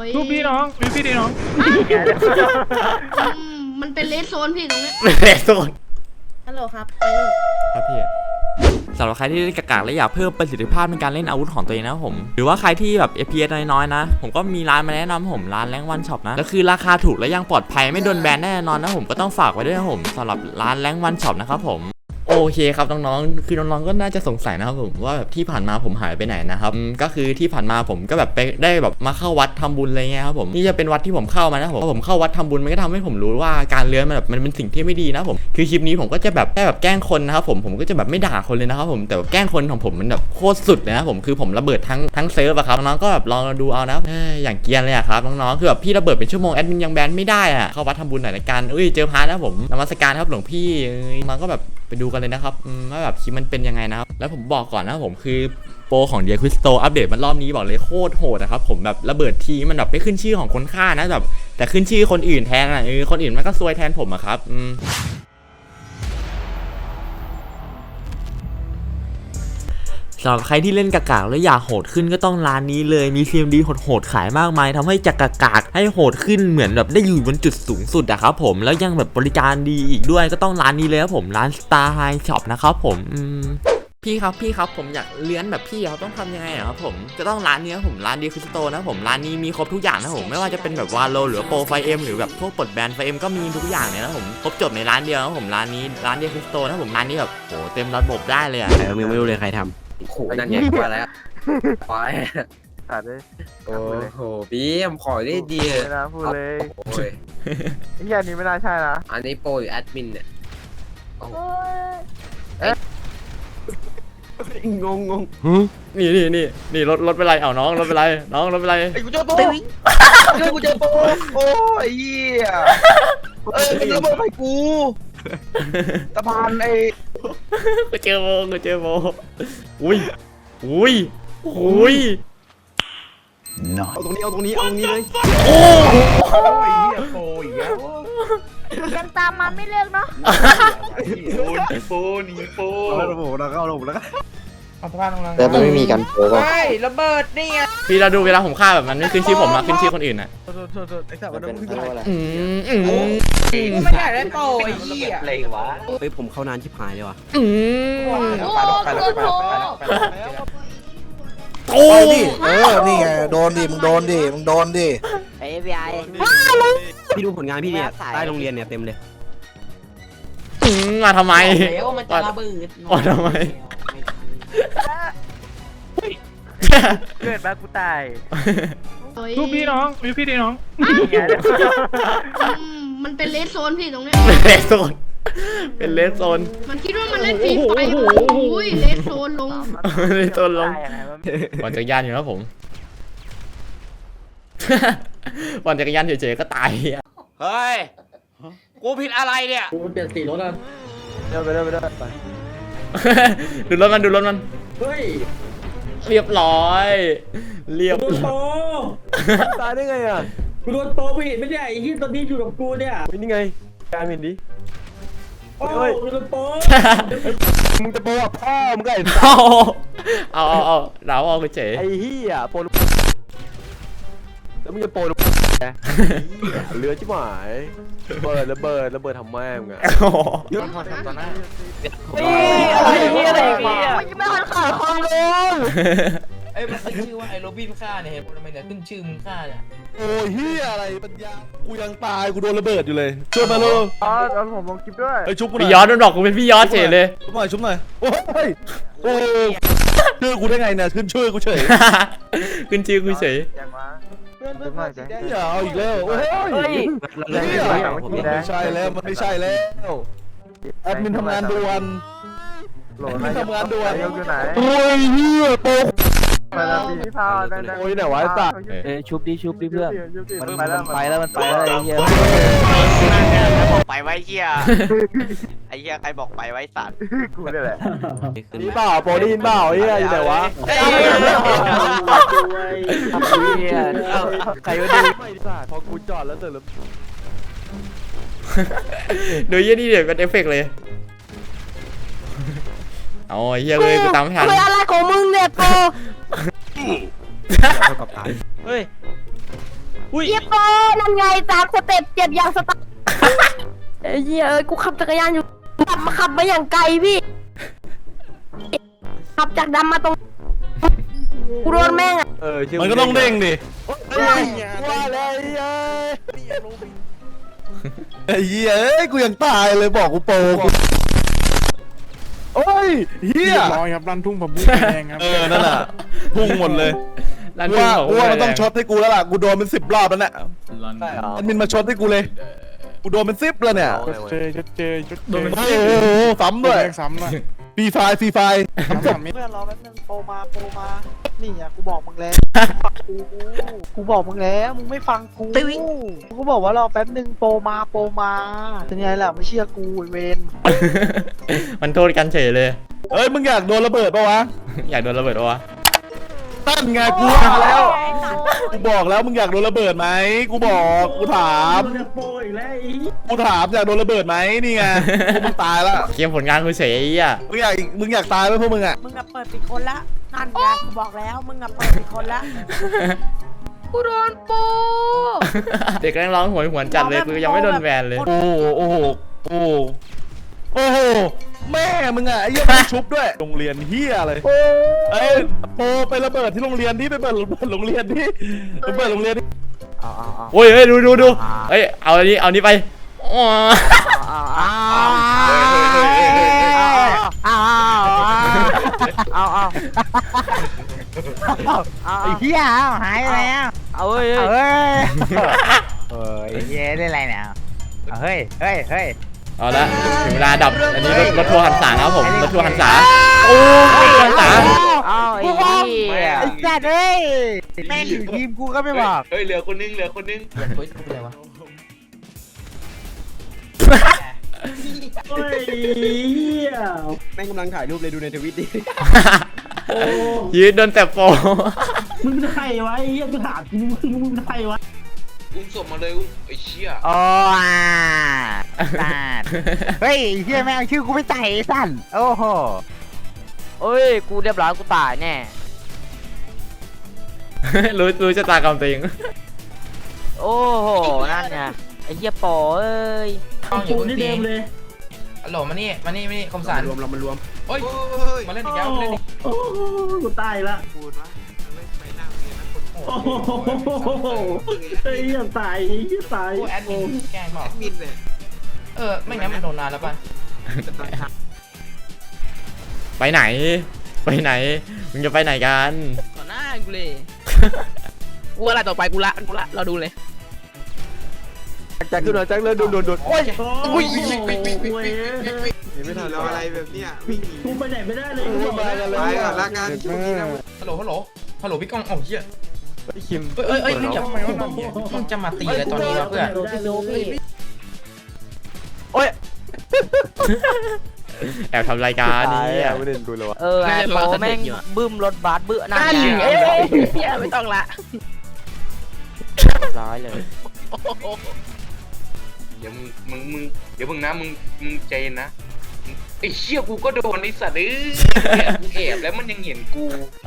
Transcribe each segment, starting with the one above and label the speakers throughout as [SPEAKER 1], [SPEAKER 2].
[SPEAKER 1] รูปพี่น้องรูปพี่ดีน้อง
[SPEAKER 2] มันเป็นเลสโซนพี่ตรงนี้
[SPEAKER 3] เลสโซน
[SPEAKER 4] ฮัลโหลครับไปรุ่น
[SPEAKER 3] ครับพี่สำหรับใครที่เล่นกากๆและอยากเพิ่มประสิทธิภาพในการเล่นอาวุธของตัวเองนะผมหรือว่าใครที่แบบ FPS น้อยๆนะผมก็มีร้านมาแนะนำผมร้านแรงวันช็อปนะก็คือราคาถูกและยังปลอดภัยไม่โดนแบนแน่นอนนะผมก็ต้องฝากไว้ด้วยนะผมสำหรับร้านแรงวันช็อปนะครับผมโอเคครับน้องๆคือน้องๆก็น่าจะสงสัยนะครับผมว่าแบบที่ผ่านมาผมหายไปไหนนะครับก็คือที่ผ่านมาผมก็แบบไปได้แบบมาเข้าวัดทำบุญอะไรเงี้ยครับผมนี่จะเป็นวัดที่ผมเข้ามานะผมเข้าวัดทำบุญมันก็ทำให้ผมรู้ว่าการเลื้อนมันแบบมันเป็นสิ่งที่ไม่ดีนะผมคือคลิปนี้ผมก็จะแบบแค่แบบแกล้งคนนะครับผมก็จะแบบไม่ด่าคนเลยนะครับผมแต่แบบแกล้งคนของผมมันแบบโคตรสุดเลยนะผมคือผมระเบิดทั้งเซิร์ฟอะครับน้องก็แบบลองดูเอานะอย่างเกียร์เลยอะครับน้องๆคือแบบพี่ระเบิดเป็นชั่วโมงแอดมินยังแบนไม่ได้อะเข้าวัดทำบุญหน่อยละกันเจอพระนะผมนมัสการครับหลวงพี่มันก็แบบไปดูกันเลยนะครับว่าแบบคลิปมันเป็นยังไงนะครับแล้วผมบอกก่อนนะผมคือโปรของเดียคริสโตอัปเดตมันรอบนี้บอกเลยโคตรโหดนะครับผมแบบระเบิดทีมันแบบไม่ขึ้นชื่อของคนฆ่านะแบบแต่ขึ้นชื่อคนอื่นแทนอ่ะคนอื่นมันก็ซวยแทนผมอะครับสำหรับใครที่เล่นกากๆแล้วอยากโหดขึ้นก็ต้องร้านนี้เลยมี CMD โหดๆขายมากมายทำให้จากกากๆให้โหดขึ้นเหมือนแบบได้อยู่บนจุดสูงสุดอะครับผมแล้วยังแบบบริการดีอีกด้วยก็ต้องร้านนี้เลยครับผมร้าน Star High Shop นะครับผมพี่ครับผมอยากเลี้ยนแบบพี่เขาต้องทำยังไงครับผมจะต้องร้านนี้ครับผมร้านดีคริสโตนะผมร้านนี้มีครบทุกอย่างนะผมไม่ว่าจะเป็นแบบวาโลหรือโปรไฟเอ็มหรือแบบพวกปลดแบนไฟเอ็มก็มีทุกอย่างเลยนะผมครบจบในร้านเดียวนะผมร้านนี้ร้านดีคริสโตนะผมร้านนี้แบบโหเต็มระบบได้เลยอะ
[SPEAKER 5] ใครยังไม่รู้เลยใครทำ
[SPEAKER 6] โอ้โหนั่นไงมาแล้วไป
[SPEAKER 1] ตัดเลย
[SPEAKER 6] โอ้โหบีมขอได้ดี
[SPEAKER 1] นะพูดเลย
[SPEAKER 6] โอ้ย
[SPEAKER 1] ไอ้แค่นี้ไม่น่าใช่นะ
[SPEAKER 6] อันนี้โปรหรือแอดมินเนี่ย
[SPEAKER 5] งง
[SPEAKER 3] นี่รถเป็นไรเอาน้องรถเป็นไรน้องรถเป็นไร
[SPEAKER 1] ไอ้กูเจอโปกูเจอโปโอ้ยเหี้ยมันระเบิดใส่กูตะพานไอ้
[SPEAKER 3] กูเจอโบอุ้ย
[SPEAKER 5] เอาตรงนี้เลย
[SPEAKER 1] โอ้ยเหี้ยโปอีกแล้ว
[SPEAKER 2] ยังตามมาไม่เลิกเนาะ
[SPEAKER 1] โปหนีโป
[SPEAKER 5] แล้วเราเข้าลงแล้วก็
[SPEAKER 1] เอาสะพานตรงนั้น
[SPEAKER 5] แต่มันไม่มีกันโผล่ก็
[SPEAKER 1] ไม่ระเบิดนี่ไง
[SPEAKER 3] พี่เราดูเวลาผมฆ่าแบบมันไม่ขึ้นชื่อผมอะขึ้นชื่อคนอื่นอะ
[SPEAKER 1] ไอ้สัตว์มันต้องขึ้นอะไร
[SPEAKER 6] กูไม่อยากได้โปรไอ้เหี้ย
[SPEAKER 1] อะไรวะ
[SPEAKER 5] เฮ้ยผมเข้านานชิบหายเลยว่ะ
[SPEAKER 3] โอ้
[SPEAKER 7] ดินี่ไงโดนดิมึงโดนดิ
[SPEAKER 4] ไอ้ FBI
[SPEAKER 5] พี่ดูผลงานพี่เนี่ยใต้โรงเรียนเนี่ยเต็มเลย
[SPEAKER 3] มาทำไม
[SPEAKER 4] แล้วมันจะระเบิด
[SPEAKER 3] มาทำไม
[SPEAKER 1] เกิดมากูตายรูปพี่น้องรูปพี่ดีน้อง
[SPEAKER 2] มันเป็นเลสโซนพี่ตรงนี้
[SPEAKER 3] เลสโซนเป็นเลสโซน
[SPEAKER 2] มันคิดว่ามันเล่นฟรีไฟโอ้ยเลสโซนลง
[SPEAKER 3] ปั่นจักรยานอยู่นะผมปั่นจักรยานเฉยๆก็ตายเฮ้ยกูผิดอะไรเนี่ย
[SPEAKER 1] กูเปลี่ยนสีรถแล้วไปดูรถ
[SPEAKER 3] มัน
[SPEAKER 1] เฮ้ย
[SPEAKER 3] เรียบร้อย
[SPEAKER 1] โป
[SPEAKER 5] ตายได้ไงอ่ะ
[SPEAKER 1] กูโดนโปไปเห็นไม่ได้ไอ้ที่ตอนนี้อยู่กับกูเนี่ย
[SPEAKER 5] นี่ไงการเห็นดิ
[SPEAKER 1] โอ้ยโดนโป
[SPEAKER 5] มึงจะโปอ่ะพ่อมึงก็ไอ้
[SPEAKER 3] เอาเราเอาเฉย
[SPEAKER 5] ไอ้เหี้ยโปแล้วมึงจะโปเรือชิบหายระเบิดทำแม่มึงอ่ะ
[SPEAKER 1] ย้อนทำตอนนั้น
[SPEAKER 4] อะไรมันจะไม่ทันขาดความลง
[SPEAKER 6] ไอ้มันชื่อว่าไอ้โรบินฆ่าเนี่ยทำไมเนี่ยขึ้นชื่อมึงฆ่าเนี่ย
[SPEAKER 7] โอ้ยเฮียอะไรปัญญากูยังตายกูโดนระเบิดอยู่เลยช่วยมาเลย
[SPEAKER 1] ตอนผมลงคลิปด้วย
[SPEAKER 7] ไอ้ชุบกู
[SPEAKER 3] พี่ยอดโดนดอกกูเป็นพี่ยอดเฉยเลย
[SPEAKER 7] ชุบหน่อยโอ้ยชื่อกูได้ไงเนี่ยขึ้นชื่อกูเฉย
[SPEAKER 3] ขึ้นชื่อกูเฉย
[SPEAKER 7] อย่าเอาอีกแล้วโอ้ยไม่ใช่แล้วมันไม่ใช่แล้วแอดมินทำงานด่วนทำงานด่วน
[SPEAKER 1] อยู่ไหน
[SPEAKER 7] โอ้ยเฮียโต
[SPEAKER 1] ไปแล้วพี่พา
[SPEAKER 7] โอ้ยไหนวะไอ้สัตว์
[SPEAKER 5] ชุบดิเพื่อน
[SPEAKER 1] มันไปแล้วไ
[SPEAKER 5] อ้เหี้ย
[SPEAKER 6] บอกไปไว้เหี้ยไอ้เหี้ยใครบอกไปไว้สัตว์
[SPEAKER 1] กูนี่แหละ
[SPEAKER 7] นี่เปล่าโปรดีนเปล่าเฮียอยู่ไหนวะ
[SPEAKER 5] ใครวะดิ
[SPEAKER 7] พอกูจอดแล้วเสร็จแล้ว
[SPEAKER 3] โดยยี่นี่เดี๋ยวเป็นเอฟเฟกต์เลยเอาเฮียเลยกูตามไม่ทัน
[SPEAKER 4] อะไรของมึงเนี่ยโป
[SPEAKER 5] กับตาย
[SPEAKER 6] เฮ้ย
[SPEAKER 3] อุ้ย
[SPEAKER 4] เจี๊ยบโปนั่นไง3 สเต็ปเจ็บอย่างสตาร์ไอ้เหี้ยกูขับจักรยานอยู่ขับมาอย่างไกลพี่ขับจากดำมาตรงกูโดนแม่ง
[SPEAKER 7] มันก็ต้องเด้งดิ
[SPEAKER 5] ว่าแล้วไอ้
[SPEAKER 7] ไอ้เหี้ยเอ้ยกูยังตายเลยบอกกูโปรกูโอ้ยเหี้ย
[SPEAKER 8] ร้อยครับรันทุ่งผมบุ้งแดงครับ
[SPEAKER 7] นั่นแหละพุ่งหมดเลย
[SPEAKER 3] ร้าน
[SPEAKER 7] กู
[SPEAKER 3] ทุ่ง
[SPEAKER 7] ว่า
[SPEAKER 3] ของ
[SPEAKER 7] กูว่ามันต้องช็อตให้กูแล้วล่ะกูโดนเป็น10 รอบแล้วเนี่ย
[SPEAKER 5] ใช่เหรอ
[SPEAKER 7] แอดมินมาช็อตให้กูเลยกูโดนเป็น10แล้วเนี่ย
[SPEAKER 8] เจอเจอ
[SPEAKER 7] โอ้โหซ้ำด้วย
[SPEAKER 8] ซ้ำเลย
[SPEAKER 7] ฟรีไฟล์
[SPEAKER 8] ซ้ำ
[SPEAKER 6] เพื่อนรอแป๊บนึงโปรมานี่อ่ะกูบอกมึงแล้วกูบอกมึงแล้วมึงไม่ฟังกูกูบอกว่ารอแป๊บนึงโปรมาเป็นไงล่ะไม่เชื่อกูเวน
[SPEAKER 3] มันโทษกันเฉยเลย
[SPEAKER 7] เอ้ยมึงอยากโดนระเบิดปะวะ
[SPEAKER 3] อยากโดนระเบิดวะ
[SPEAKER 7] ตั้นไงกูมาแล้วกูบอกแล้วมึงอยากโดนระเบิดไหมกูบอกกูถามอยากโดนระเบิดไหมนี่ไงพวกมึงตายแล้ว
[SPEAKER 3] เกมผลงานกูเฉยไอ้เหี้ย
[SPEAKER 7] มึงอยากตายไหมพวกมึงอ่ะ
[SPEAKER 9] มึงอะเปิดปิดคนละนั่นไงกูบอกแล้วมึงอะเปิดปิดคนละ
[SPEAKER 2] กูโดนโป
[SPEAKER 3] เด็กแรงร้องหวยหวนจัดเลยกูยังไม่โดนแบนเลย
[SPEAKER 7] โอ้โหแม่มึงอ่ะไอ้เหี้ยมึงชุบด้วยโรงเรียนเหี้ยอะไรเอ้ยโปไประเบิดที่โรงเรียนที่ไปเปิดโรงเรียนที่ไปเปิดโรงเรียนที่
[SPEAKER 3] โอ้ยเฮ้ยดูเอ้ยเอาอันนี้ไปอ๋อ
[SPEAKER 6] ไอ้เหี้ยหายไปแล้วเอาเฮ้ยเย้ได้ไรเนี่ยเฮ้ย
[SPEAKER 3] เอาละถึงเวลาดับอันนี้รถทัวร์หันษาครับผมรถทัวร์หันษาโอ้ยหันษา
[SPEAKER 6] ไอ้สัตว์เฮ้ยแม่งทีมกูก็ไม่บอก
[SPEAKER 1] เฮ้ยเหลือคนนึง
[SPEAKER 5] แม่งกำลังถ่ายรูปเลยดูในทวิตดิ
[SPEAKER 3] ยืดโดนแต่โป
[SPEAKER 1] อุ้มศพมาเลยอุ้มไอ้เชี่ย
[SPEAKER 6] โอ้สัตว์เฮ้ยเฮียแม่งชื่อกูไม่ใส่สั่นโอ้โห
[SPEAKER 4] เอ้ยกูเรียบร้อยกูตายแน่
[SPEAKER 3] รู้ชะตากรรมตัวเอง
[SPEAKER 4] โอ้โหนั่นไงไอ้เหี้ยโปเอ้ย
[SPEAKER 10] อยู่ที่เดิมเลยฮัลโหลมานี่คมสัน
[SPEAKER 5] รวมเรามารวม
[SPEAKER 10] โอ้ยมาเล่นอีกแล้วมาเล่นอีก
[SPEAKER 1] โอ้กูตายละพูดวะไม่นั่งเลยนะคนโอ้ไอ้เหี้ยตายตาย
[SPEAKER 10] โอ้แอดมินแกล้งบอก
[SPEAKER 1] มินเลย
[SPEAKER 10] ไม่งั้นมันโดนนานแล้วป่ะ
[SPEAKER 3] ไปไหนมึงจะไปไหนกัน
[SPEAKER 4] ต่อหน้ากูเลยกูอะไรต่อไปกูละเราดูเลย
[SPEAKER 5] แจ็คขึ้นมาแจ็คเลยโดนโอ้ย
[SPEAKER 1] อุ้ย
[SPEAKER 5] ไม่ทันแล้วอะไรแบบเนี้ย
[SPEAKER 1] กูไปไหนไม่ได้เลย
[SPEAKER 5] มากันเลย
[SPEAKER 1] ไปก่อนละกัน
[SPEAKER 10] ฮัลโหลพี่ก้องเหี้ย
[SPEAKER 5] ไอ้คิม
[SPEAKER 10] เอ้ยอย่ามึงจะมาตีอะไรตอนนี้วะเพื่อน
[SPEAKER 5] โอ้ย
[SPEAKER 3] แอบทำรายการนี่
[SPEAKER 5] ไม่ได้ดูเลยวะ
[SPEAKER 4] ไอ้โปแม่งบึ้มรถบัสเบื่อนั่นไงเหี้ยไม่ต้องละร้อยเลย
[SPEAKER 1] เดี๋ยวมึงนะมึงใจเย็นนะไอ้เชี่ยกูก็โดนไอ้สัตว์กูแอบแล้วมันยังเห็นกู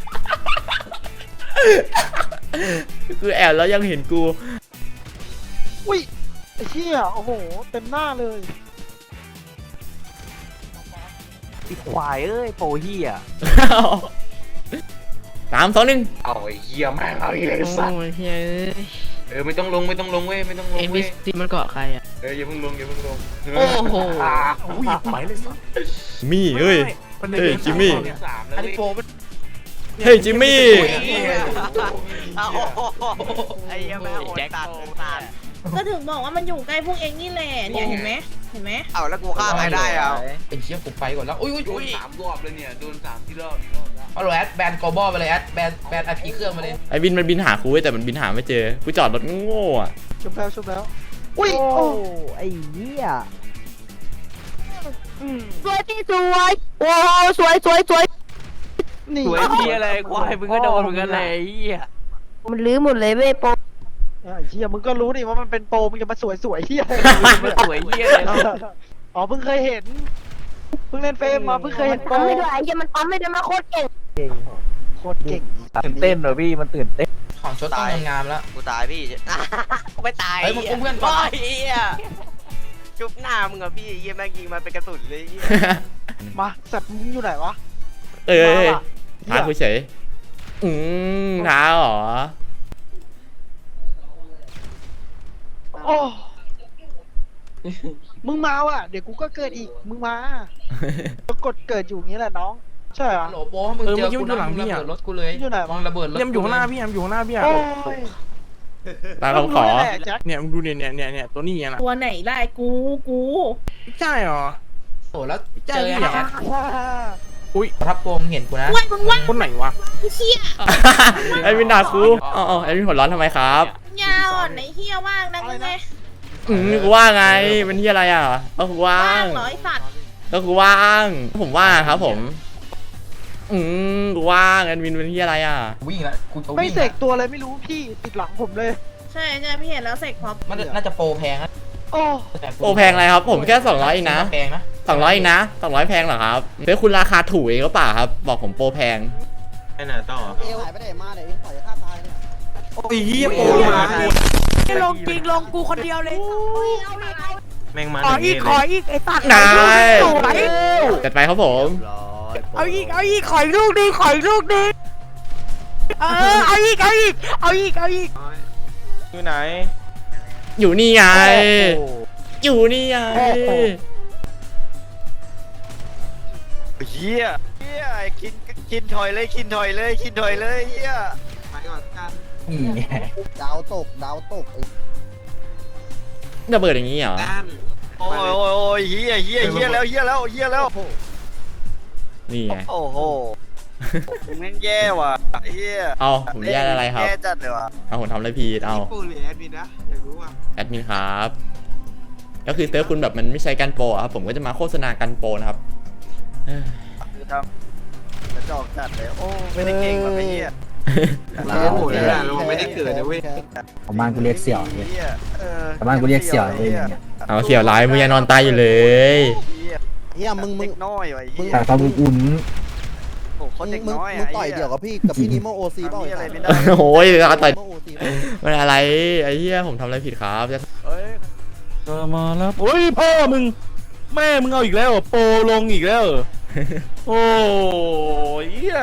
[SPEAKER 3] คือแอบแล้วยังเห็นกู
[SPEAKER 6] อุ้ยไอ้เหี้ยโอ้โหเต็มหน้าเลยไอ้ควายเอ้ยโปเหี้ย
[SPEAKER 3] 3 2 1
[SPEAKER 1] เอาไอ้เหี้ยแม่งเอาไอ้สัตว์
[SPEAKER 4] โอ้ยเฮ้ย
[SPEAKER 1] ไม่ต้องลงเว้ยไม่ต้องลงเว้ย
[SPEAKER 4] NPC มันเกาะใครอ่ะ
[SPEAKER 1] อย่าเพิ่งลง
[SPEAKER 4] โอ้โห
[SPEAKER 5] อุ้ยไปเลยสิ
[SPEAKER 3] มี่เฮ้ยจิมมี่
[SPEAKER 1] 3แล้ว
[SPEAKER 10] อันนี้โปร
[SPEAKER 3] เฮ้ยจิมมี่
[SPEAKER 6] ไอ้เหี้ยแม่งโหดตัด
[SPEAKER 9] ก็ถึงบอกว่ามันอยู่ใกล้พวกเองนี่แหละเนี่ยเห็นไหม
[SPEAKER 6] เอาแล้วกูฆ่าใครได้อ่ะ
[SPEAKER 10] ไอ้เหี้ยกูไปก่อนแล้วอุ้ย
[SPEAKER 1] โดน3 รอบเลยเนี่ยโดน3 ที่รอบ
[SPEAKER 10] ฮัลโหลแอดแบนกอบอลไปเลยแอดแบนไอพีเครื่องมาเลย
[SPEAKER 3] ไอ้บินมันบินหากูเว้ยแต่มันบินหาไม่เจอกูจอดรถโง่อะ
[SPEAKER 6] ชุบแล้วอุ้ยโอ้ไอ้เหี้ย
[SPEAKER 4] สวยพี่สวยโอ้สวย
[SPEAKER 6] นี่
[SPEAKER 4] สวยพี่อะไรควายมึงก็โดนเหมือนกันเลยเหี้ยมันลื้อหมดเลยเว้ยโป
[SPEAKER 6] ไอ้เหี้ยมึงก็รู้ดิว่ามันเป็นโปรมึงจะมาสวยเหี้ย
[SPEAKER 4] สวยเหี้ยเลย
[SPEAKER 6] อ๋อเพิ่งเคยเห็นเพิ่งเล่นเฟมมาเพิ่งเคยเห็นโปร
[SPEAKER 4] ปั๊มไม่ได้ไอ้เหี้ยมันปั๊มไม่ได้มาโคตรเก่ง
[SPEAKER 6] โคตรเก่ง
[SPEAKER 5] ตื่นเต้นเหรอพี่มันตื่นเต้น
[SPEAKER 10] ของชดต้องงามแล้ว
[SPEAKER 11] กูตายพี่กูไม่ตาย
[SPEAKER 10] เฮ้ยมึงอุ้มเพื่อนก่อน
[SPEAKER 11] เฮียจุ๊บหน้ามึงอะพี่เฮียแม่งยิงมาเป็นกระสุนเลยเฮีย
[SPEAKER 6] มาสัตว์มึงอยู่ไหนวะ
[SPEAKER 3] เอ้ย
[SPEAKER 6] มาว่ะ
[SPEAKER 3] ท้าคุยเฉยท้าเหรอ
[SPEAKER 6] โอ้มึงมาว่ะเดี๋ยวกูก็เกิดอีกมึงมาก็กดเกิดอยู่อย่างนี้แหละน้องใช่เหรอ
[SPEAKER 10] โหลโป้มึงเจอกูนะมึงระเบิดรถกูเลย
[SPEAKER 6] อยู่ไหนวะ
[SPEAKER 10] มึงระเบิดรถ
[SPEAKER 8] เนี่ยมันอยู่ข้างหน้าพี่มันอยู่ข้างหน้าพี่อะ
[SPEAKER 6] โอ้ย
[SPEAKER 3] ตามคำขอ
[SPEAKER 6] รู้แหละแจ็ค
[SPEAKER 8] เนี่ยมึงดูเนี่ยตัวนี้อ่ะนะ
[SPEAKER 9] ตัวไหนได้กู
[SPEAKER 8] ใช่เหรอ
[SPEAKER 10] โหแล้ว
[SPEAKER 8] ใช่
[SPEAKER 10] เจอ
[SPEAKER 8] พี่
[SPEAKER 10] ไอ้
[SPEAKER 8] เหรอ
[SPEAKER 10] แจ๊ค
[SPEAKER 8] อุ้ย
[SPEAKER 10] ทับโปมเห็นกูนะ
[SPEAKER 9] ว่างมึงว่าง
[SPEAKER 8] คนไหนวะ
[SPEAKER 9] เชี่ย
[SPEAKER 3] แอดมินด่ากูอ๋อแอดมินหัวร้อนทำไมครับ
[SPEAKER 9] ยาวอ่ะไหนเฮียว่างนักไง
[SPEAKER 3] กูว่าไงเป็นที่อะไรอ่ะก็คือว่า
[SPEAKER 9] ว่าง
[SPEAKER 3] ง
[SPEAKER 9] เหรอไอสัตว์
[SPEAKER 3] ก็คือว่างผมว่างครับผมกูว่างแอดมินเป็นที่อะไรอ่ะ
[SPEAKER 10] วิ่งแล้วกูจะ
[SPEAKER 6] ไม่
[SPEAKER 10] วิ่ง
[SPEAKER 6] เสกตัวอะไรไม่รู้พี่ติดหลังผมเลย
[SPEAKER 9] ใช่พี่เห็นแล้วเสกพร้อม
[SPEAKER 10] มันน่าจะโปรแพงนะ
[SPEAKER 6] โอ้
[SPEAKER 3] โอ้แพงอะไรครับผมแค่200เองนะ
[SPEAKER 10] แพงนะ
[SPEAKER 3] 200เองนะ200แพงเหรอครับเดี๋ยวคุณราคาถูกเองก็เปล่าครับบอกผมโปรแพง
[SPEAKER 11] ไปไหนต่อ
[SPEAKER 6] เอวหายไปไหนมาเดี๋ยวเองปล่อยฆ่าตายเนี่ย
[SPEAKER 7] โอ้ยเฮียโปมา
[SPEAKER 4] ลงจริงลงกูคนเดียวเลย
[SPEAKER 11] แม่งมา
[SPEAKER 4] ขออีกไอ้ตัด
[SPEAKER 3] นาย
[SPEAKER 4] สวย
[SPEAKER 3] จัดไปครับผม
[SPEAKER 4] เอาอีกขออีกลูกนึงเอาอีก
[SPEAKER 11] อยู่ไหน
[SPEAKER 3] อยู่นี่ไงอยู่นี่ไง
[SPEAKER 11] เฮียกินถอยเลยเฮีย
[SPEAKER 10] นี่ไง
[SPEAKER 6] ดาวตก
[SPEAKER 3] ระเบิดอย่างนี้เหรอ
[SPEAKER 11] โอ้ยเฮียแล้ว
[SPEAKER 3] นี่ไง
[SPEAKER 11] โอ้โหแม่งแย่ว่ะเฮีย
[SPEAKER 3] เอาผมแย่อะไรครับ
[SPEAKER 11] แย่จัดเลยว่ะ
[SPEAKER 3] เอาผมทำอะไรผิดเอา
[SPEAKER 11] ปูหรือแอดมินนะอยากรู้ว่ะ
[SPEAKER 3] แอดมินครับ ก็คือเซิร์ฟคุณแบบมันไม่ใช้กันโปรอะครับผมก็จะมาโฆษณากันโปรนะครับเอ้ย
[SPEAKER 11] คือทำกระจอกจัดเลยโอ้ไม่ได้เก่งแบบไอ้เฮีย
[SPEAKER 7] เราไม่ได้เกิดนะเว้ย
[SPEAKER 12] ของบ้านกูเรียกเสี่ยว
[SPEAKER 11] เฮีย
[SPEAKER 12] แต่บ้านกูเรียกเสี่ยวเองเนี่ย
[SPEAKER 3] เอาเสี่ยวร้ายมึงยังนอนตายอยู่เลย
[SPEAKER 11] เฮียมึงเด็กน้อยว่ะเฮีย
[SPEAKER 12] แต่ตอนอุ่น
[SPEAKER 11] โอ้คนเด็กน้อย
[SPEAKER 6] มึ
[SPEAKER 11] อ่ะ
[SPEAKER 6] งต่อยเดี่ยวกับพี่กับพี่นิโมโอซีเปล่า
[SPEAKER 11] อะไรไม่ได้
[SPEAKER 3] โอ้ยต่อย
[SPEAKER 6] นิโมโอซี
[SPEAKER 3] มันอะไรไอ้เหี้ยผมทำอะไรผิดครับ
[SPEAKER 11] เฮ้ย
[SPEAKER 7] มาแล้วโอ้ยพ่อมึงแม่มึงเอาอีกแล้วโปลงอีกแล้วโอ้ยเฮีย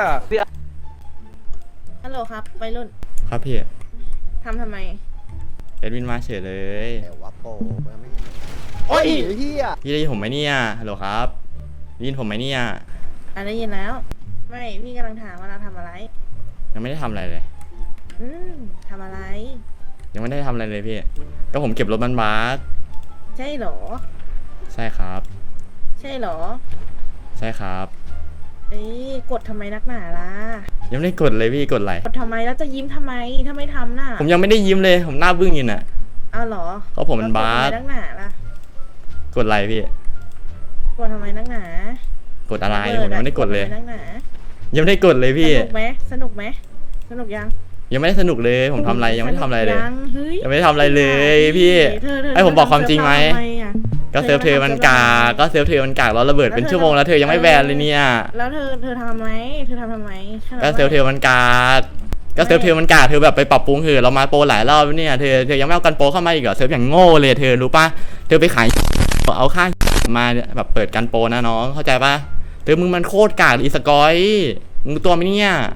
[SPEAKER 9] ฮัลโหลครับไปรุ่น
[SPEAKER 3] ครับพี่
[SPEAKER 9] ทำไม
[SPEAKER 3] แอดมินมาเฉยเลย
[SPEAKER 6] แต่ว่าโปโอ้ยเฮีย
[SPEAKER 3] พี่ได้ยินผมไหมเนี่ยฮัลโหลครับได้ยินผมไหมเนี่ย
[SPEAKER 9] ได้ยินแล้ว ไม่พี่กำลังถามว่าเราทำอะไร
[SPEAKER 3] ยังไม่ได้ทำอะไรเลย
[SPEAKER 9] ทำอะไร
[SPEAKER 3] ยังไม่ได้ทำอะไรเลยพี่ก็ผมเก็บรถมันบัส
[SPEAKER 9] ใช่เหรอ
[SPEAKER 3] ใช่ครับ
[SPEAKER 9] ใช่เหรอ
[SPEAKER 3] ใช่ครับ
[SPEAKER 9] กดทำไมนักหนาล่ะ
[SPEAKER 3] ยังไม่ได้กดเลยพี่กดอะไร
[SPEAKER 9] กดทำไมแล้วจะยิ้มทำไมถ้าไม่ทำน่ะ
[SPEAKER 3] ผมยังไม่ได้ยิ้มเลยผมหน้าบึ้งอยู่น่ะ
[SPEAKER 9] อ้าวเหรอ
[SPEAKER 3] เพราะผมมันบาส
[SPEAKER 9] กดทำไมนักหนาล่ะ
[SPEAKER 3] กดอะไรพี่
[SPEAKER 9] กดทำไมนักหนาก
[SPEAKER 3] ดอะไรผมยังไม่ได้กดเลย
[SPEAKER 9] ทำไมนักหนา
[SPEAKER 3] ยังไม่ได้กดเลยพี่
[SPEAKER 9] สนุกไหมสนุกไหมสนุกยัง
[SPEAKER 3] ยังไม่ได้สนุกเลยผมทำอะไรยังไม่ได้ทำอะไรเลย
[SPEAKER 9] เฮ้ย
[SPEAKER 3] ยังไม่ได้ทำอะไรเลยพี่ ให้ผมบอกความจริงไหม
[SPEAKER 9] ทำอะ
[SPEAKER 3] ก็เซิร์ฟเธอมันกากก็เซิร์ฟเธอมันกากแล้วระเบิดเป็นชั่วโมงแล้วเธอยังไม่แบนเลยเนี่ย
[SPEAKER 9] แล้วเธอทำไหมเธอทำไม
[SPEAKER 3] ก็เซิร์ฟเธอมันกากก็เซิร์ฟเธอมันกากเธอแบบไปปรับปรุงเถอะเรามาโปรหลายรอบแล้วเนี่ยเธอยังไม่เอากันโปรเข้ามาอีกเหรอเซิร์ฟอย่างโง่เลยเธอรู้ปะเธอไปขายเอาค่ามาแบบเปิดกันโปรนะน้องเข้าใจปะเธอมึงมันโคตรกากอีสกอยมึงตัวไหมเนี่ย